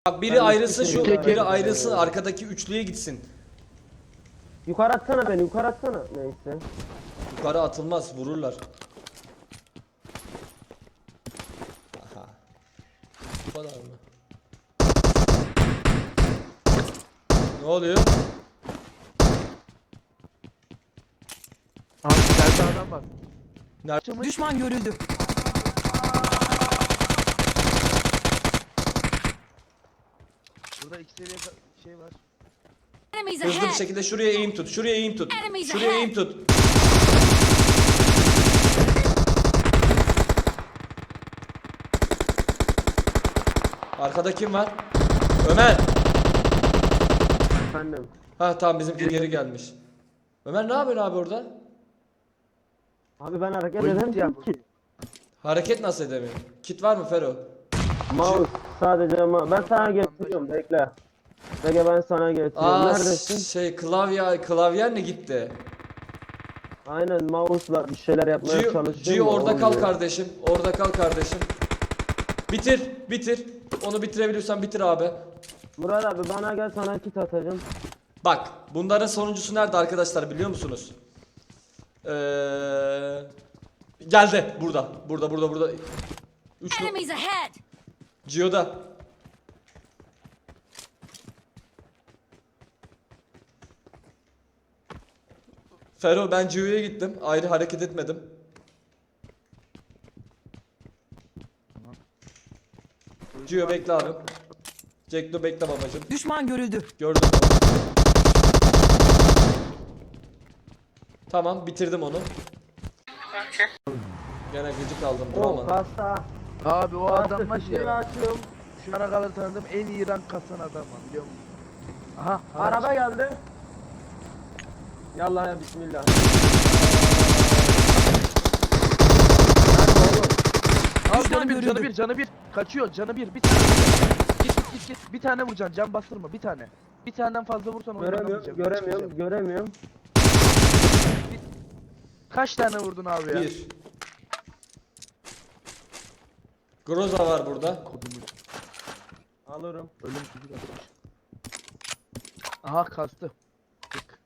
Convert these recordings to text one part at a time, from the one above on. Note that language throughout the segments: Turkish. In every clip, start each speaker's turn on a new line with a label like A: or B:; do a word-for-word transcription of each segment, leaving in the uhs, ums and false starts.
A: Bak biri
B: Ben
A: ayrılsın
B: hiçbir
A: şu,
B: şey
A: biri
B: görmedim.
A: ayrılsın arkadaki üçlüye gitsin.
B: Yukarı atsana beni, yukarı atsana. Neyse.
A: Yukarı atılmaz, vururlar. Aha. Bu kadar mı? Ne oluyor?
C: Abi içeride adam var.
A: Nerede?
D: Düşman görüldü.
C: Burada iki seviye ka- şey var.
E: Enemies
A: Hızlı bir
E: ahead!
A: şekilde şuraya eğim tut. Şuraya eğim tut.
E: Enemies
A: Şuraya
E: ahead.
A: eğim tut. Arkada kim var? Ömer.
B: Efendim.
A: Ha tamam, bizimki geri gelmiş. Ömer ne yapıyorsun abi orada?
B: Abi ben hareket
C: Oyun
B: edemem
C: bitti ya.
B: ki.
A: Hareket nasıl edemiyorsun? Kit var mı Fero?
B: Mouse sadece ama ben sana getiriyorum, bekle. Bekle, ben sana getiriyorum.
A: Aa
B: Neredesin?
A: şey klavye klavyen ne gitti?
B: Aynen, mouse'la bir şeyler yapmaya
A: Gio,
B: çalışıyorum.
A: Gio
B: da
A: orada kal
B: olmuyor.
A: kardeşim. Orada kal kardeşim. Bitir, bitir. Onu bitirebiliyorsan bitir abi.
B: Murat abi bana gel, sana kit atacağım.
A: Bak, bunların sonuncusu nerede arkadaşlar biliyor musunuz? Ee, geldi burada. Burada, burada, burada. Üç nu-
E: Enemies ahead!
A: Gio'da. Fero, ben Gio'ya gittim. Ayrı hareket etmedim. Gio bekle abi. Jackdo bekle babacım.
D: Düşman görüldü.
A: Gördüm onu. Tamam, bitirdim onu. Gene gıcık aldım,
B: O
A: duramadım.
B: kasa.
C: Abi o adam var
B: Kasa,
C: ya.
B: açıyorum.
C: Şu ana kadar tanıdığım en iyi rank kasan adam var biliyor musun? Aha.
B: Araba geldi. Yallah ya, bismillah.
C: Abi
D: Düşman
C: canı bir, canı
D: görüldü.
C: bir, canı bir. Kaçıyor, canı bir. Bir tane. Git git git git. Bir tane vuracaksın, can bastırma. Bir tane. Bir taneden fazla vursan onu
B: Göremiyorum, göremiyorum, göremiyorum.
C: Kaç tane vurdun abi ya?
A: Bir. Groza var burada.
C: Kodumu.
B: Alırım.
C: Ölüm çocuk atmış. Aha kastı. Tık.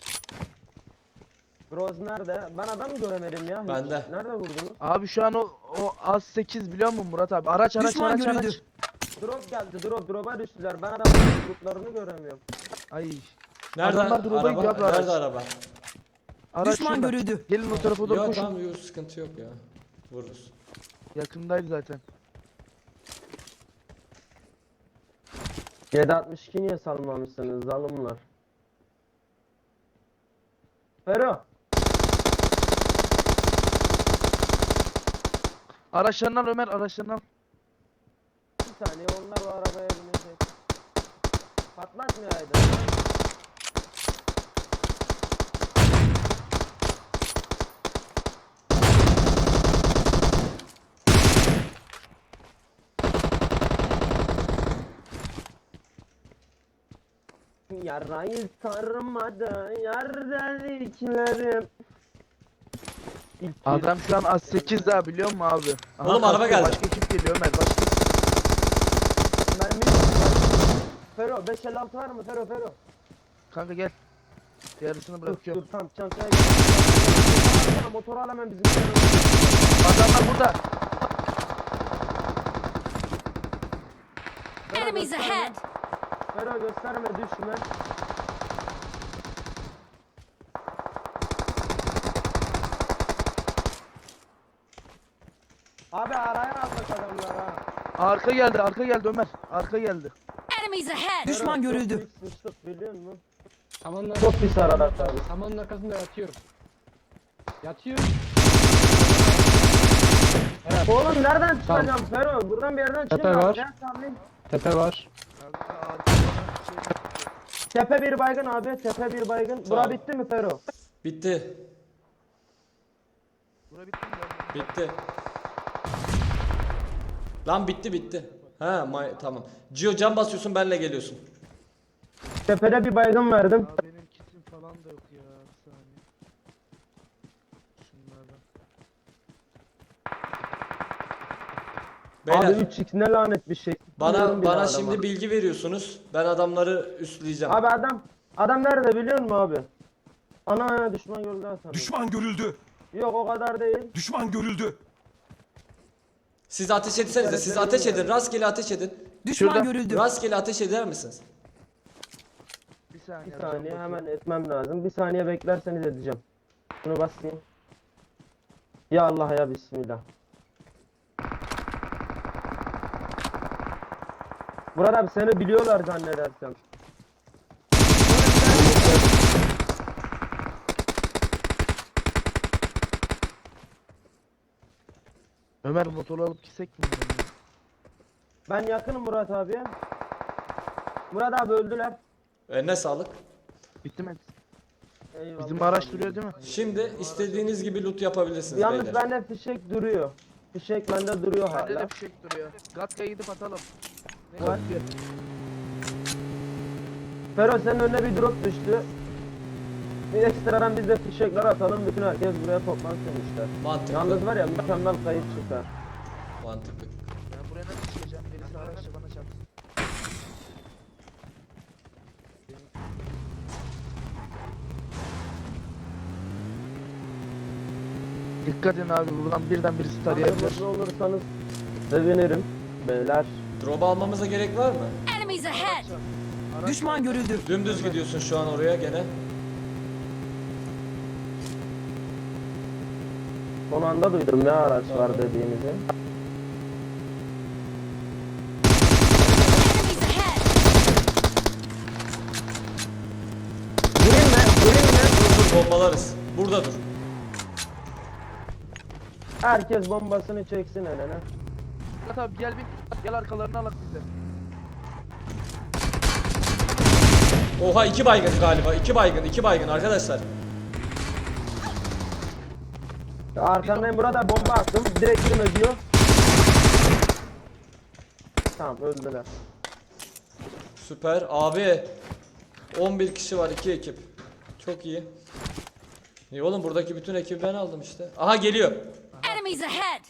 B: Groz nerede? Ben adam göremedim ya. hiç.
A: Bende.
B: Nerede vurdunuz?
C: Abi şu an o, o az sekiz biliyor musun Murat abi? Araç araç
D: Düşman
C: araç
D: görüldü.
C: araç.
B: Drop geldi, drop, drop'a düştüler. Ben adamın gruplarını göremiyorum.
C: Ay.
A: Nerede
C: Adamlar drop'a
A: araba?
C: gidiyor abi, araç.
A: Nerede araba?
C: Araç
D: Düşman
C: şurada.
D: görüldü.
C: Gelin o tarafa doğru
A: Yok
C: koşun.
A: tamam, yok sıkıntı yok ya. Vururuz.
C: Yakındaydı zaten.
B: yedi altmış iki niye salmamışsınız zalimler? Fero.
C: Araçlarından Ömer araçlarından.
B: Bir saniye, onlar o arabaya binecek. Patlatmayaydı. Yarayı sarmadı yar dediklerim. İlk
C: Adam şu an az sekiz daha biliyor musun abi? Aha,
A: Oğlum, araba
C: kastı,
A: geldi.
C: Başka ekip geliyor Ömer başka.
B: mermi. Fero beş elli altı var mı? Fero Fero.
C: Kanka gel. Yarısını
B: Dur
C: bırakıyorum.
B: dur, tam çantaya gel. Motoru al hemen bizim.
C: Adamlar burada.
B: Fero,
E: Enemies
B: gösterme.
E: ahead!
B: Fero gösterme, düşme. Abi araya aldık adamlar ha.
C: Arka geldi arka geldi Ömer. Arka geldi.
E: Enemies ahead!
D: Düşman
B: Fero, çok
D: görüldü.
B: büyük sıçtık, biliyor musun?
F: Samanın
B: Çok pis arada abi.
F: Samanın arkasında yatıyorum. Yatıyorum.
B: Oğlum nereden çıkacağım Fero? Buradan bir yerden çıkayım.
F: Tepe
B: abi.
F: var.
B: Gel tahmin.
F: Tepe var.
C: Kanka arka şey
B: Tepe bir baygın abi, tepe bir baygın. Bura
A: Tamam.
B: bitti mi Fero?
A: Bitti.
C: Bura bitti mi? ya?
A: Bitti. Lan bitti bitti. Ha may tamam. Gio can basıyorsun, benle geliyorsun.
B: Tepede bir baygın verdim.
C: Aa, benim kitim falan da yok ya. Bir saniye. Şunlardan.
A: Beyler,
B: Abi üç x ne lanet bir şey.
A: bana
B: Bilmiyorum bile
A: bana
B: adama.
A: şimdi bilgi veriyorsunuz. Ben adamları üstleyeceğim.
B: Abi adam adam nerede biliyor musun abi? Ana düşman gördü lan sana.
D: Düşman görüldü.
B: Yok o kadar değil.
D: Düşman görüldü.
A: Siz ateş etsenize. Siz ateş edin. Rastgele ateş edin.
G: Düşman
C: Şurada.
G: görüldü.
A: Rastgele ateş eder misiniz?
C: Bir saniye.
B: Bir
C: can
B: saniye
C: basıyorum.
B: hemen etmem lazım. Bir saniye beklerseniz edeceğim. Şunu basayım. Ya Allah ya bismillah. Murat abi seni biliyorlar zannedersem.
C: Ömer motoru alıp gitsek mi?
B: Ben yakınım Murat abiye. Murat abi öldüler.
A: Eline sağlık.
C: Bitti mi?
B: Eyvallah
C: Bizim
B: abi.
C: araç duruyor değil mi?
A: Şimdi istediğiniz gibi loot yapabilirsiniz
B: Yalnız
A: beyler.
B: bende fişek duruyor. Fişek bende duruyor
C: Bende
B: hala.
C: de fişek duruyor. Gatka'ya gidip atalım. Ne
B: Var.
C: Gatka?
B: Fero senin önüne bir drop düştü. Bir ekstradan biz de fişekler atalım. Bütün herkes buraya toplansın işte.
A: Mantıklı.
B: Yalnız var ya mükemmel kayıt çıkar.
A: Mantıklı.
C: Ben buraya nasıl çıkacağım? Birisi araçla bana çarpsın. Dikkat edin abi buradan birden birisi tarayabilir.
B: Yardımcı olursanız sevinirim. Beyler.
A: Drop almamıza gerek var mı?
E: Enemies ahead!
G: Düşman görüldü.
A: Dümdüz gidiyorsun şu an oraya gene.
B: Son anda duydum ne araç var dediğinizi.
E: Enemies ahead!
B: Gireyim mi? Gireyim mi?
A: Dur bombalarız. Burada dur.
B: Herkes bombasını çeksin eline.
C: Gat abi gel bir gel arkalarını alak bize.
A: Oha iki baygın galiba. iki baygın, iki baygın arkadaşlar.
B: Arkandayım burada bomba attım. Direkt girme diyor. Tamam öldüler.
A: Süper. Abi on bir kişi var, iki ekip. Çok iyi. İyi oğlum buradaki bütün ekibi ben aldım işte. Aha geliyor.
E: Enemies ahead!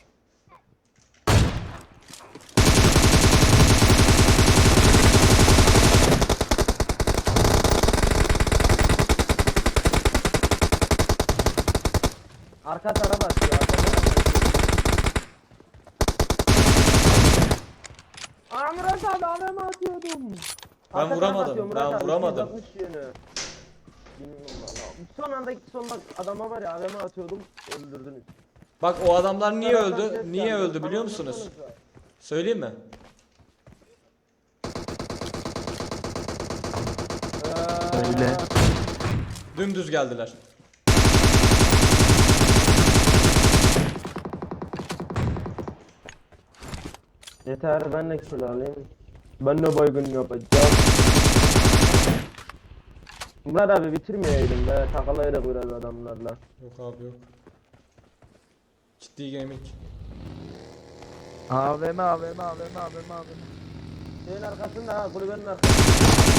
B: Arka tarafa atıyor. Arka tarafa atıyor. Aa Murat abi A V M atıyordum.
A: Ben
B: Arka
A: vuramadım,
B: tarafa atıyor Murat
A: ben
B: abi,
A: vuramadım.
B: yüz altmış yönü. Bilmiyorum valla. Son anda gitti son bak adama var ya A V M atıyordum öldürdünüz.
A: Bak o adamlar niye
B: Taraftan
A: öldü?
B: ses
A: Niye
B: geldi.
A: öldü biliyor
B: Bana
A: musunuz?
B: baksanıza.
A: Söyleyeyim mi?
C: Öyle.
A: Dümdüz geldiler.
B: Yeter ben de kill alayım. Ben de baygın yapacağım. Murat abi bitirmeyelim be takılayla biraz adamlarla.
A: Yok abi yok. Ciddi gaming.
C: A V M A V M A V M A V M A V M.
B: Şeyin arkasında ha kulübenin arkasında.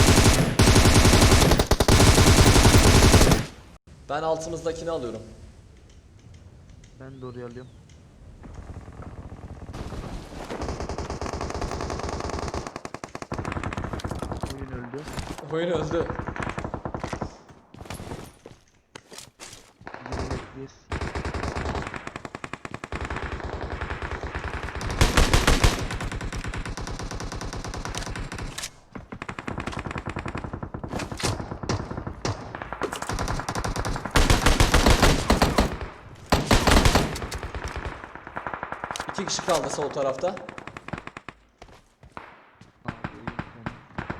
A: Ben altımızdakini alıyorum.
C: Ben de oraya alıyorum. Oyun öldü.
A: Oyun öldü.
C: Yes.
A: İki kişi kaldı sol tarafta.
C: Abi, oyun sonu.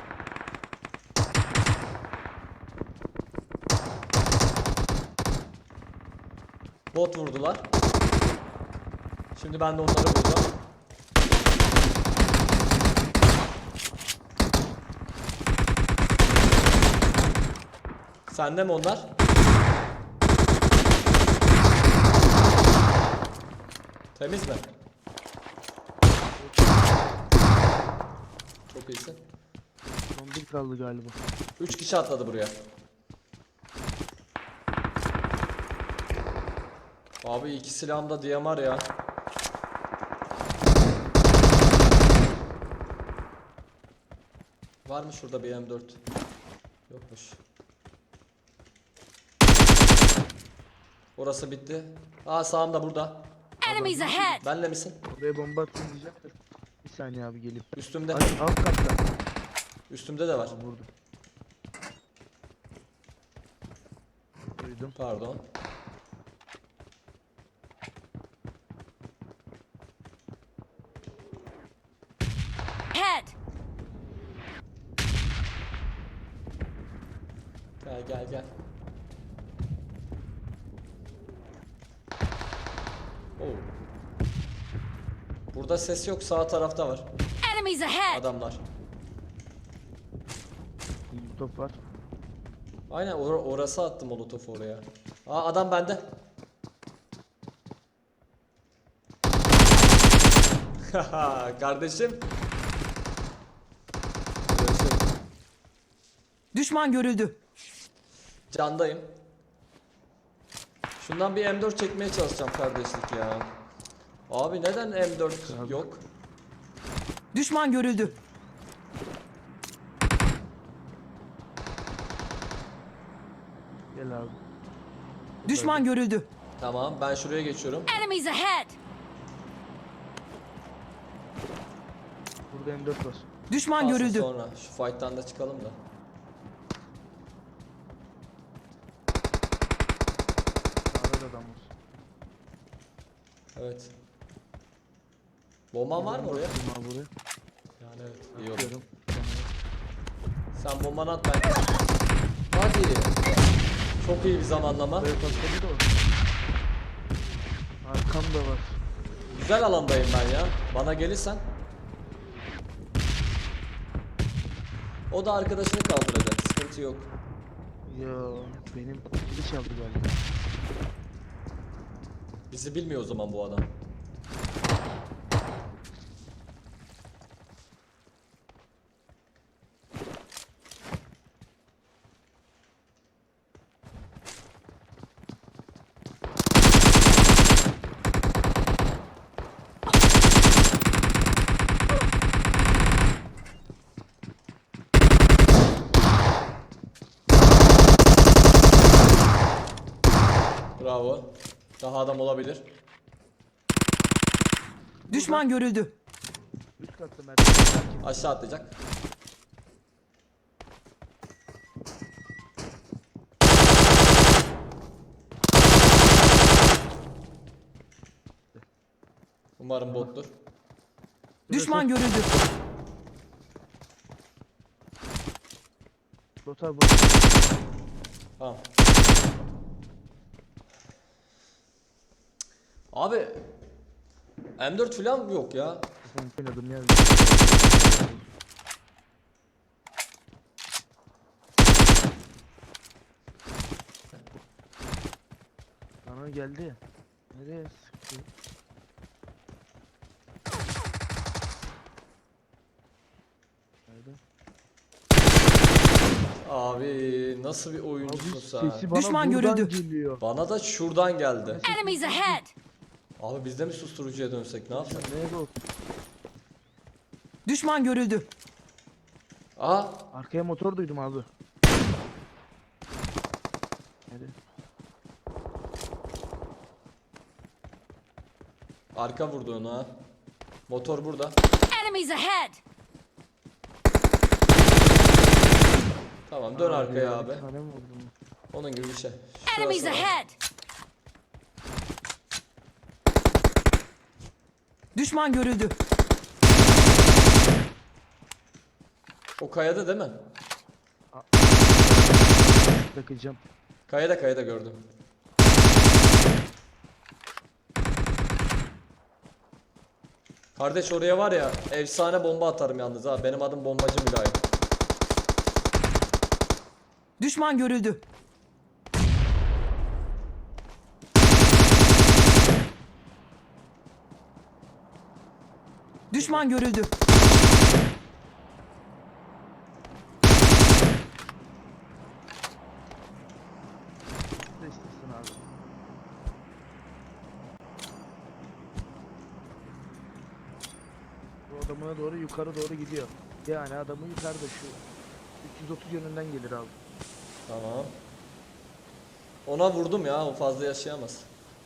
A: Bot vurdular. Şimdi ben de onları vuracağım. Sende mi onlar? Temiz mi? Çok iyisin.
C: Son bir kaldı galiba.
A: Üç kişi atladı buraya. Abi iki silahım da D M R ya. Var mı şurada bir M dört? Yokmuş. Orası bitti. Aa sağımda burada.
E: Enemies ahead!
A: Benle misin?
C: Oraya bomba attım diyecektir. Bir saniye abi gelip.
A: Üstümde.
C: Ay, alt katta.
A: Üstümde de var.
C: Tamam, vurdum. Duydum.
A: Pardon.
E: Head!
A: Gel gel gel. Oo. Burada ses yok, sağ tarafta var
E: Enemies ahead!
A: adamlar.
C: Bir top var.
A: Aynen or orası attım molotofu oraya. Aa adam bende. Haha kardeşim. Görüşürüz.
G: Düşman görüldü.
A: Candayım. Şundan bir M dört çekmeye çalışacağım kardeşlik ya. Abi neden M dört yok?
G: Düşman görüldü.
C: Gel abi.
G: Düşman görüldü.
A: Tamam ben şuraya geçiyorum.
E: Enemies ahead!
C: Burada M dört var.
G: Düşman
A: Kalsın
G: görüldü.
A: sonra. Şu fight'tan da çıkalım da.
C: Sağda da adam var.
A: Evet. Bomban var mı oraya?
C: Attım abi buraya.
A: Yani evet. İyi oldu.
C: Atıyorum.
A: Sen bombanı at ben. Hadi. Çok iyi bir zamanlama.
C: Buraya patladı da o. Arkamda var.
A: Güzel alandayım ben ya. Bana gelirsen. O da arkadaşını kaldıracak. Sıkıntı yok.
C: Yo benim kili çaldı galiba.
A: Bizi bilmiyor o zaman bu adam. Bravo. Daha adam olabilir.
G: Düşman görüldü.
C: Üst katta merdiven.
A: Aşağı atlayacak. Umarım bottur.
G: Düşman görüldü.
C: Bot abi.
A: Tamam. Abi M dört falan yok ya.
C: Ben oynadım ya. Bana geldi. Nereye sıktı? Nerede?
A: Abi nasıl bir
C: Abi
A: oyuncusun sen?
C: sesi bana
G: Düşman
C: buradan
G: görüldü.
C: geliyor.
A: Bana da şuradan geldi.
E: Enemies ahead!
A: Abi biz de mi susturucuya dönsek ne yapsak?
C: Nereye bak?
G: Düşman görüldü.
A: Aa
C: Arkaya motor duydum abi. Nerede?
A: arka vurdu onu ha. Motor burada.
E: Enemies ahead!
A: Tamam dön
C: Aa,
A: arkaya
C: ya,
A: abi.
C: bir tane mi vurdum?
A: Onun gibi bir şey.
E: Enemies
A: Şurası var.
E: ahead!
G: Düşman görüldü.
A: O kayada değil mi?
C: Takacağım.
A: Kayada kayada gördüm. Kardeş oraya var ya efsane bomba atarım yalnız ha. Benim adım bombacı Mülayim.
G: Düşman görüldü. Düşman görüldü.
C: Ne istiyorsun abi? Bu adamına doğru yukarı doğru gidiyor. Yani adamı yukarıda şu üç yüz otuz yönünden gelir abi.
A: Tamam. Ona vurdum ya, o fazla yaşayamaz.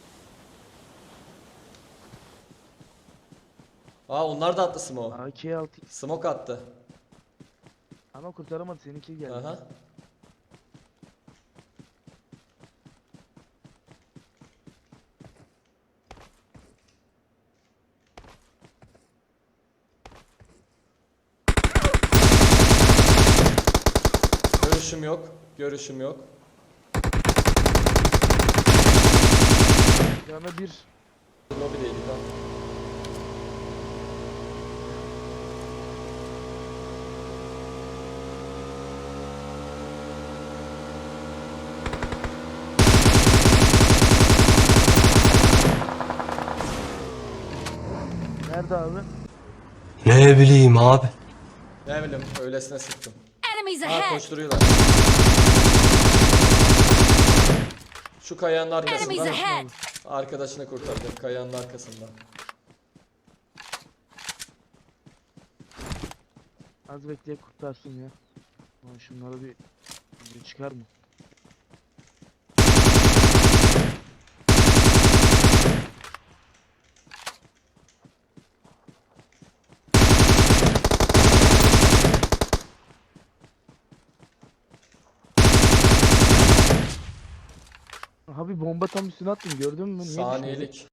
A: Aa, onlar da attı smoke.
C: A K altı
A: Smoke attı.
C: ama kurtaramadı, seninki geldi.
A: Aha. Görüşüm yok. Görüşüm yok.
C: Canı bir.
A: Lobideydik ha.
C: Nerede abi?
D: Ne bileyim abi.
A: Ne bileyim, öylesine sıktım.
E: Enemies
A: Ha,
E: ahead!
A: koşturuyorlar. Şu kayanın
E: Enemies
A: arkasından
E: ahead!
A: arkadaşını kurtardı, kayanın arkasından.
C: Az bekleyip kurtarsın ya. Lan şunlara bir bir çıkar mı? Abi bomba tam üstüne attım, gördün mü? Niye düşmedi?
A: Saniyelik.